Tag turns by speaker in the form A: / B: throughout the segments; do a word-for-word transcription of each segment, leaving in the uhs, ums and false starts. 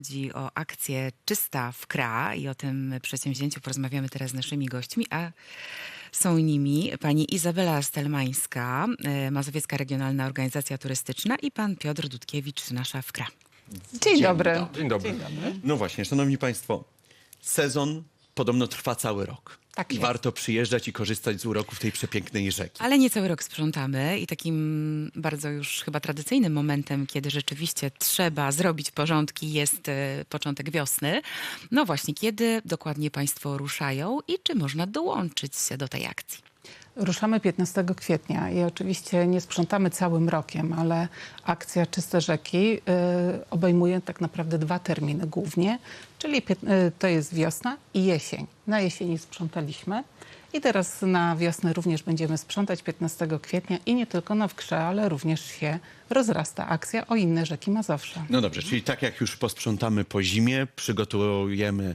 A: Chodzi o akcję Czysta w K R A i o tym przedsięwzięciu porozmawiamy teraz z naszymi gośćmi, a są nimi pani Izabela Stelmańska, e, Mazowiecka Regionalna Organizacja Turystyczna i pan Piotr Dudkiewicz, nasza w K R A.
B: Dzień,
C: Dzień
B: dobry.
C: dobry.
B: Dzień dobry.
C: Dzień dobry.
B: No właśnie, szanowni państwo, sezon podobno trwa cały rok.
C: Tak
B: I
C: jest.
B: warto przyjeżdżać i korzystać z uroków tej przepięknej rzeki.
A: Ale nie cały rok sprzątamy i takim bardzo już chyba tradycyjnym momentem, kiedy rzeczywiście trzeba zrobić porządki, jest e, początek wiosny. No właśnie, kiedy dokładnie państwo ruszają i czy można dołączyć się do tej akcji?
C: Ruszamy piętnastego kwietnia i oczywiście nie sprzątamy całym rokiem, ale akcja Czyste Rzeki y, obejmuje tak naprawdę dwa terminy głównie, czyli pięt- y, to jest wiosna i jesień. Na jesieni sprzątaliśmy i teraz na wiosnę również będziemy sprzątać piętnastego kwietnia i nie tylko na Wkrze, ale również się rozrasta akcja o inne rzeki Mazowsza.
B: No dobrze, czyli tak jak już posprzątamy po zimie, przygotujemy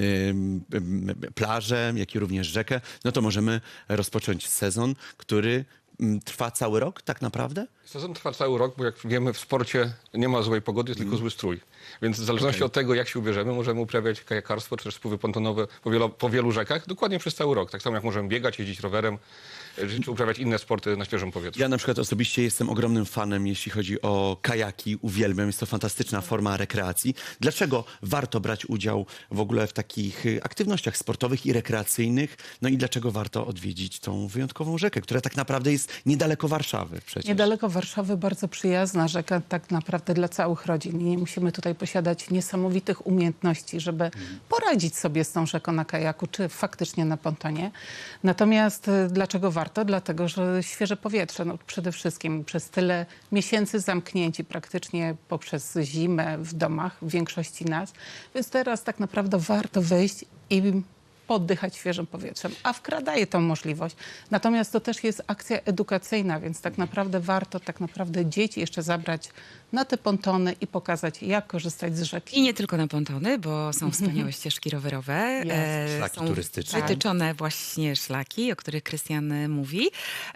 B: ym, ym, plażę, jak i również rzekę, no to możemy rozpocząć sezon, który ym, trwa cały rok tak naprawdę?
D: Sezon trwa cały rok, bo jak wiemy, w sporcie nie ma złej pogody, jest tylko zły strój. Więc w zależności
B: Okej.
D: od tego, jak się ubierzemy, możemy uprawiać kajakarstwo czy też spływy pontonowe po wielu, po wielu rzekach dokładnie przez cały rok. Tak samo jak możemy biegać, jeździć rowerem, e, czy uprawiać inne sporty na świeżym powietrzu.
B: Ja na przykład osobiście jestem ogromnym fanem, jeśli chodzi o kajaki, uwielbiam, jest to fantastyczna forma rekreacji. Dlaczego warto brać udział w ogóle w takich y, aktywnościach sportowych i rekreacyjnych? No i dlaczego warto odwiedzić tą wyjątkową rzekę, która tak naprawdę jest niedaleko Warszawy przecież?
C: Niedaleko Warszawy bardzo przyjazna rzeka tak naprawdę dla całych rodzin. I nie musimy tutaj posiadać niesamowitych umiejętności, żeby poradzić sobie z tą rzeką na kajaku, czy faktycznie na pontonie. Natomiast y, dlaczego warto? Dlatego, że świeże powietrze, no przede wszystkim przez tyle miesięcy zamknięci praktycznie poprzez zimę w domach, w większości nas. Więc teraz tak naprawdę warto wyjść i poddychać świeżym powietrzem, a w K R A daje tą możliwość. Natomiast to też jest akcja edukacyjna, więc tak naprawdę warto tak naprawdę dzieci jeszcze zabrać na te pontony i pokazać, jak korzystać z rzeki.
A: I nie tylko na pontony, bo są wspaniałe ścieżki rowerowe.
C: Jest.
A: E,
B: Szlaki
A: są
B: turystyczne.
A: wytyczone właśnie szlaki, o których Krystian e, mówi.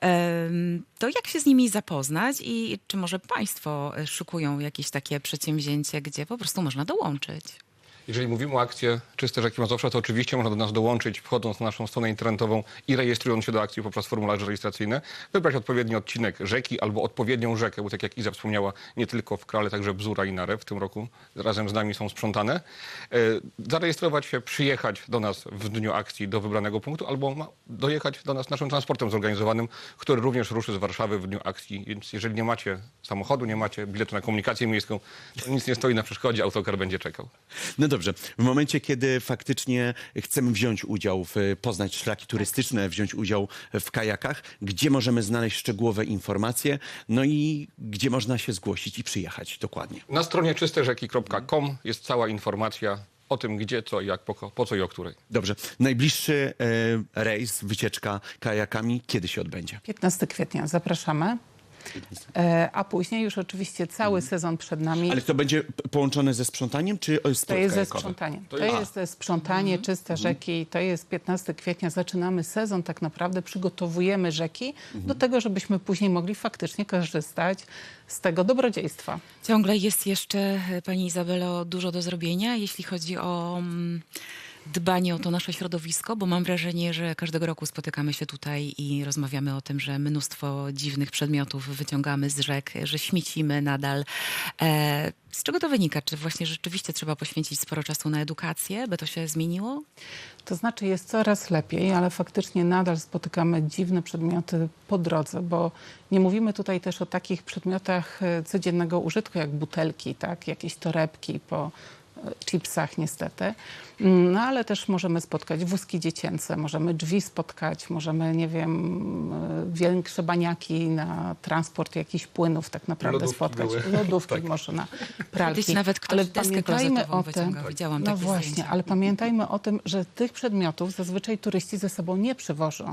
A: Em, To jak się z nimi zapoznać i czy może państwo e, szykują jakieś takie przedsięwzięcie, gdzie po prostu można dołączyć?
D: Jeżeli mówimy o akcji Czyste Rzeki Mazowsza, to oczywiście można do nas dołączyć, wchodząc na naszą stronę internetową i rejestrując się do akcji poprzez formularze rejestracyjne, wybrać odpowiedni odcinek rzeki albo odpowiednią rzekę, bo tak jak Iza wspomniała, nie tylko w K R A, ale także Bzura i Narew w tym roku razem z nami są sprzątane. E, zarejestrować się, przyjechać do nas w dniu akcji do wybranego punktu albo ma, dojechać do nas naszym transportem zorganizowanym, który również ruszy z Warszawy w dniu akcji. Więc jeżeli nie macie samochodu, nie macie biletu na komunikację miejską, to nic nie stoi na przeszkodzie, autokar będzie czekał.
B: No dobrze, w momencie, kiedy faktycznie chcemy wziąć udział, w, poznać szlaki turystyczne, wziąć udział w kajakach, gdzie możemy znaleźć szczegółowe informacje, no i gdzie można się zgłosić i przyjechać dokładnie.
D: Na stronie czyste rzeki kropka com jest cała informacja o tym, gdzie, co i jak, po, po co i o której.
B: Dobrze, najbliższy e, rejs, wycieczka kajakami, kiedy się odbędzie?
C: piętnastego kwietnia zapraszamy, e, a później już oczywiście cały sezon przed nami.
B: Ale to będzie p- połączone ze sprzątaniem, czy o,
C: To
B: sport
C: jest ze
B: kajakowy?
C: sprzątaniem. To,
D: To jest-
C: jest ze sprzątanie, czyste rzeki. To jest piętnastego kwietnia. Zaczynamy sezon, tak naprawdę przygotowujemy rzeki do tego, żebyśmy później mogli faktycznie korzystać z tego dobrodziejstwa.
A: Ciągle jest jeszcze, e, pani Izabelo, dużo do zrobienia, jeśli chodzi o mm, dbanie o to nasze środowisko, bo mam wrażenie, że każdego roku spotykamy się tutaj i rozmawiamy o tym, że mnóstwo dziwnych przedmiotów wyciągamy z rzek, że śmiecimy nadal. E, z czego to wynika? Czy właśnie rzeczywiście trzeba poświęcić sporo czasu na edukację, by to się zmieniło?
C: To znaczy jest coraz lepiej, ale faktycznie nadal spotykamy dziwne przedmioty po drodze, bo nie mówimy tutaj też o takich przedmiotach e, codziennego użytku, jak butelki, tak, jakieś torebki po e, chipsach niestety. Mm, No ale też możemy spotkać wózki dziecięce, możemy drzwi spotkać, możemy, nie wiem, e, większe baniaki na transport jakichś płynów tak naprawdę
D: Lodówki
C: spotkać.
D: były.
C: Lodówki
D: Tak.
C: można, pralki.
A: Kiedyś nawet ktoś
C: ale
A: deskę
C: pamiętajmy
A: klozetową
C: o tym,
A: wyciągał. Widziałam
C: no
A: takie
C: właśnie,
A: zdjęcia.
C: ale pamiętajmy o tym, że tych przedmiotów zazwyczaj turyści ze sobą nie przywożą.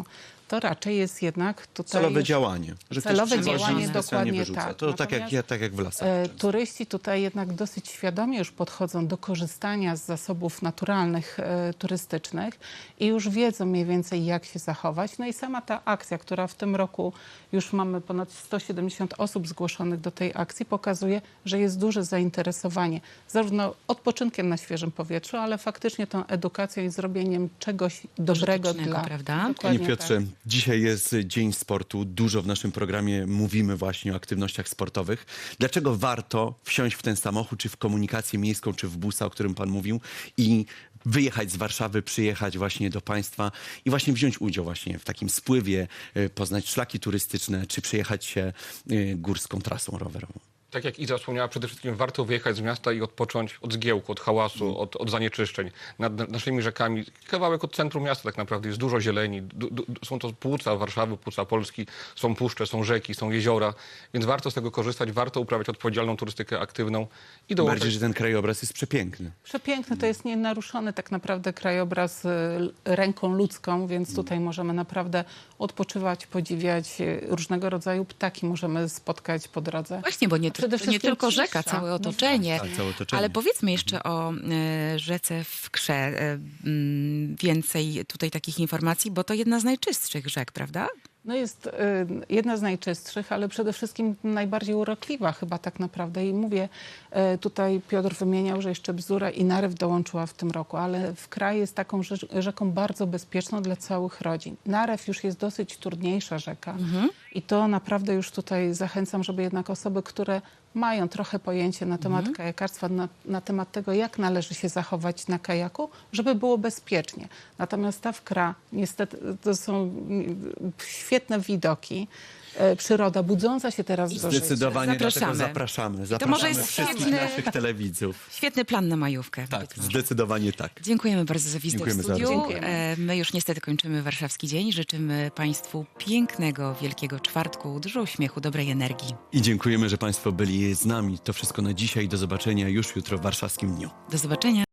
C: to raczej jest jednak tutaj...
B: Celowe działanie. Że ktoś
C: Celowe
B: przychodzi i
C: działanie,
B: specjalnie
C: dokładnie
B: wyrzuca.
C: tak.
B: To tak jak,
C: Natomiast,
B: ja, tak jak w lasach.
C: E,
B: często.
C: turyści tutaj jednak dosyć świadomie już podchodzą do korzystania z zasobów naturalnych, e, turystycznych i już wiedzą mniej więcej, jak się zachować. No i sama ta akcja, która w tym roku już mamy ponad sto siedemdziesiąt osób zgłoszonych do tej akcji, pokazuje, że jest duże zainteresowanie zarówno odpoczynkiem na świeżym powietrzu, ale faktycznie tą edukacją i zrobieniem czegoś dobrego
A: Pożytecznego,
C: dla...
A: prawda?
B: Panie
C: Dokładnie
B: Piotrze,
C: tak.
B: dzisiaj jest Dzień Sportu. Dużo w naszym programie mówimy właśnie o aktywnościach sportowych. Dlaczego warto wsiąść w ten samochód, czy w komunikację miejską, czy w busa, o którym pan mówił, i wyjechać z Warszawy, przyjechać właśnie do państwa i właśnie wziąć udział właśnie w takim spływie, y, poznać szlaki turystyczne, czy przejechać się y, górską trasą rowerową?
D: Tak jak Iza wspomniała, przede wszystkim warto wyjechać z miasta i odpocząć od zgiełku, od hałasu, od, od zanieczyszczeń. Nad naszymi rzekami, kawałek od centrum miasta tak naprawdę, jest dużo zieleni. Du, du, są to płuca Warszawy, płuca Polski, są puszcze, są rzeki, są jeziora, więc warto z tego korzystać, warto uprawiać odpowiedzialną turystykę aktywną i dołączyć.
B: Bardziej, że ten krajobraz jest przepiękny.
C: Przepiękny, to jest nienaruszony tak naprawdę krajobraz y, ręką ludzką, więc tutaj możemy naprawdę odpoczywać, podziwiać y, różnego rodzaju ptaki możemy spotkać po drodze.
A: Właśnie, bo nie,
C: Przede
A: to nie
C: wszystkim
A: tylko
C: cisza.
A: rzeka, całe
C: No
A: otoczenie.
B: Tak, całe otoczenie.
A: Ale powiedzmy jeszcze o e, rzece w Krze. E, mm, więcej tutaj takich informacji, bo to jedna z najczystszych rzek, prawda?
C: No jest y, jedna z najczystszych, ale przede wszystkim najbardziej urokliwa chyba tak naprawdę. I mówię, y, tutaj Piotr wymieniał, że jeszcze Bzura i Narew dołączyła w tym roku, ale w kraj jest taką rzecz, rzeką bardzo bezpieczną dla całych rodzin. Narew już jest dosyć trudniejsza rzeka i to naprawdę już tutaj zachęcam, żeby jednak osoby, które mają trochę pojęcie na temat kajakarstwa, na, na temat tego, jak należy się zachować na kajaku, żeby było bezpiecznie. Natomiast ta Wkra, niestety, to są mm, świetne widoki, e, przyroda budząca się teraz do życia.
B: Zdecydowanie
A: Zapraszamy.
B: dlatego zapraszamy.
A: To może
B: Zapraszamy
A: jest
B: wszystkich
A: świetny-
B: naszych telewidzów.
A: Świetny plan na majówkę.
B: Tak,
A: być może.
B: zdecydowanie tak.
A: Dziękujemy bardzo za wizytę
B: Dziękujemy
A: w
B: za
A: studiu.
C: rozmowę.
A: E, My już niestety kończymy Warszawski Dzień. Życzymy Państwu pięknego, wielkiego czwartku, dużo uśmiechu, dobrej energii.
B: I dziękujemy, że Państwo byli z nami. To wszystko na dzisiaj. Do zobaczenia już jutro w Warszawskim Dniu.
A: Do zobaczenia.